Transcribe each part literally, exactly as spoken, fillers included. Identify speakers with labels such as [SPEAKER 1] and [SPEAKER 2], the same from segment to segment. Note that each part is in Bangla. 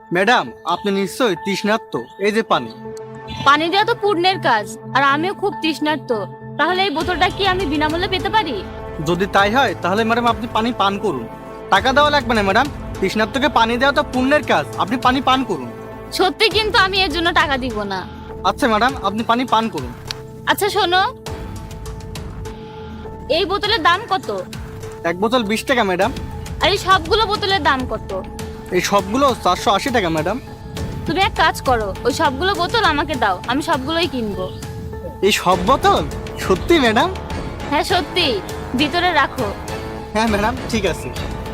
[SPEAKER 1] ম্যাডাম, আপনি নিশ্চয়ই তৃষ্ণার্ত। এই যে পানি।
[SPEAKER 2] পানি দেওয়া তো পুণ্যের কাজ, আর আমিও খুব তৃষ্ণার্ত। তাহলে এই বোতলটা কি আমি বিনামূল্যে পেতে পারি?
[SPEAKER 1] যদি তাই হয় তাহলে ম্যাডাম আপনি পানি পান করুন। টাকা দেওয়া লাগবে না ম্যাডাম, তৃষ্ণার্তকে পানি দেওয়া তো পুণ্যের কাজ, আপনি পানি পান করুন।
[SPEAKER 2] সত্যি কিন্তু আমি এর জন্য টাকা দিব না।
[SPEAKER 1] আচ্ছা ম্যাডাম, আপনি পানি পান করুন।
[SPEAKER 2] আচ্ছা শোনো, এই বোতলের দাম কত?
[SPEAKER 1] এক বোতল বিশ টাকা ম্যাডাম।
[SPEAKER 2] আর এই সবগুলো বোতলের দাম কত?
[SPEAKER 1] এই সবগুলো চারশো আশি টাকা ম্যাডাম।
[SPEAKER 2] তুমি এক কাজ করো, ওই সবগুলো বোতল আমাকে দাও, আমি সবগুলোই কিনবো।
[SPEAKER 1] এই সব বোতল? সত্যি ম্যাডাম?
[SPEAKER 2] হ্যাঁ সত্যি, ভিতরে রাখো।
[SPEAKER 1] হ্যাঁ ম্যাডাম, ঠিক আছে।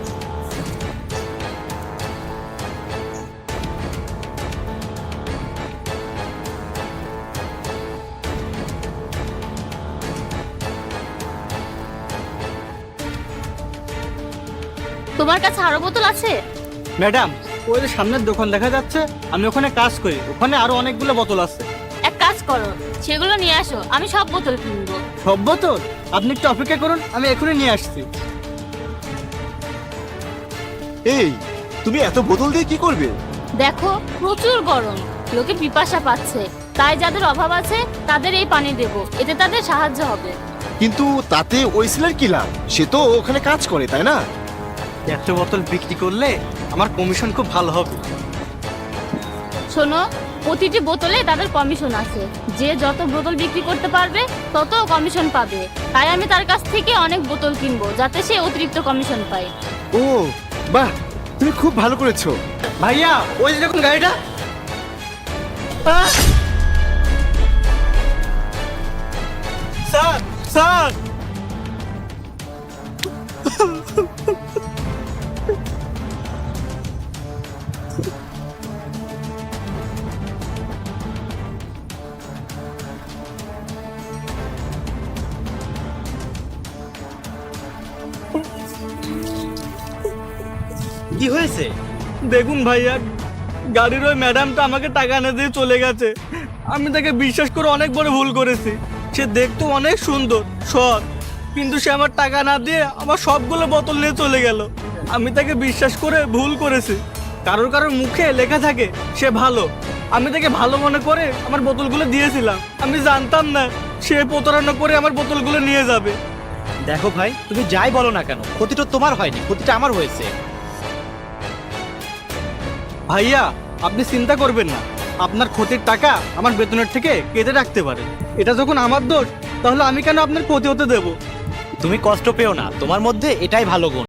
[SPEAKER 2] তোমার কাছে আরো বোতল আছে?
[SPEAKER 1] ম্যাডাম, ওই যে সামনের দোকান দেখা যাচ্ছে, আমি ওখানে কাজ করি, ওখানে আরো অনেকগুলো বোতল আছে।
[SPEAKER 2] এক কাজ করো, সেগুলো নিয়ে আসো, আমি সব বোতল কিনবো।
[SPEAKER 1] সব বোতল? আপনি একটু অপেক্ষা করুন, আমি এখনই নিয়ে আসছি।
[SPEAKER 3] এই, তুমি এত বোতল দিয়ে কি করবে?
[SPEAKER 2] দেখো প্রচুর গরম, লোকে পিপাসা পাচ্ছে, তাই যাদের অভাব আছে তাদের এই পানি দেবো, এতে তাদের সাহায্য হবে।
[SPEAKER 3] কিন্তু তাতে ওই ছেলের কি লাভ? সে তো ওখানে কাজ করে, তাই না?
[SPEAKER 1] একশো বোতল বিক্রি করলে আমার কমিশন খুব ভালো হবে।
[SPEAKER 2] শোনো, প্রতিটি বোতলে তাদের কমিশন আছে, যে যত বোতল বিক্রি করতে পারবে তত কমিশন পাবে। তাই আমি তার কাছ থেকে অনেক বোতল কিনবো, যাতে সে অতিরিক্ত কমিশন পায়।
[SPEAKER 3] ও বাহ, তুমি খুব ভালো করেছো।
[SPEAKER 1] ভাইয়া, ওই যে দেখুন গাড়িটা। আহ! Sir, sir!
[SPEAKER 4] কি হয়েছে?
[SPEAKER 1] দেখুন ভাইয়া, গাড়ির ওই ম্যাডামটা আমাকে টাকা না দিয়ে চলে গেছে। আমি তাকে বিশ্বাস করে অনেক বড় ভুল করেছি। সে দেখতে অনেক সুন্দর, সৎ, কিন্তু সে আমার টাকা না দিয়ে আমার সবগুলো বোতল নিয়ে চলে গেল। আমি তাকে বিশ্বাস করে ভুল করেছি। কারোর কারোর মুখে লেখা থাকে সে ভালো, আমি তাকে ভালো মনে করে আমার বোতলগুলো দিয়েছিলাম। আমি জানতাম না সে প্রতারণা করে আমার বোতলগুলো নিয়ে যাবে।
[SPEAKER 4] দেখো ভাই, তুমি যাই বলো না কেন, ক্ষতিটা তোমার হয়নি, ক্ষতিটা আমার হয়েছে।
[SPEAKER 1] ভাইয়া, আপনি চিন্তা করবেন না, আপনার ক্ষতির টাকা আমার বেতনের থেকে কেটে রাখতে পারে। এটা যখন আমার দোষ, তাহলে আমি কেন আপনার ক্ষতি হতে দেব?
[SPEAKER 4] তুমি কষ্ট পেও না, তোমার মধ্যে এটাই ভালো গুণ।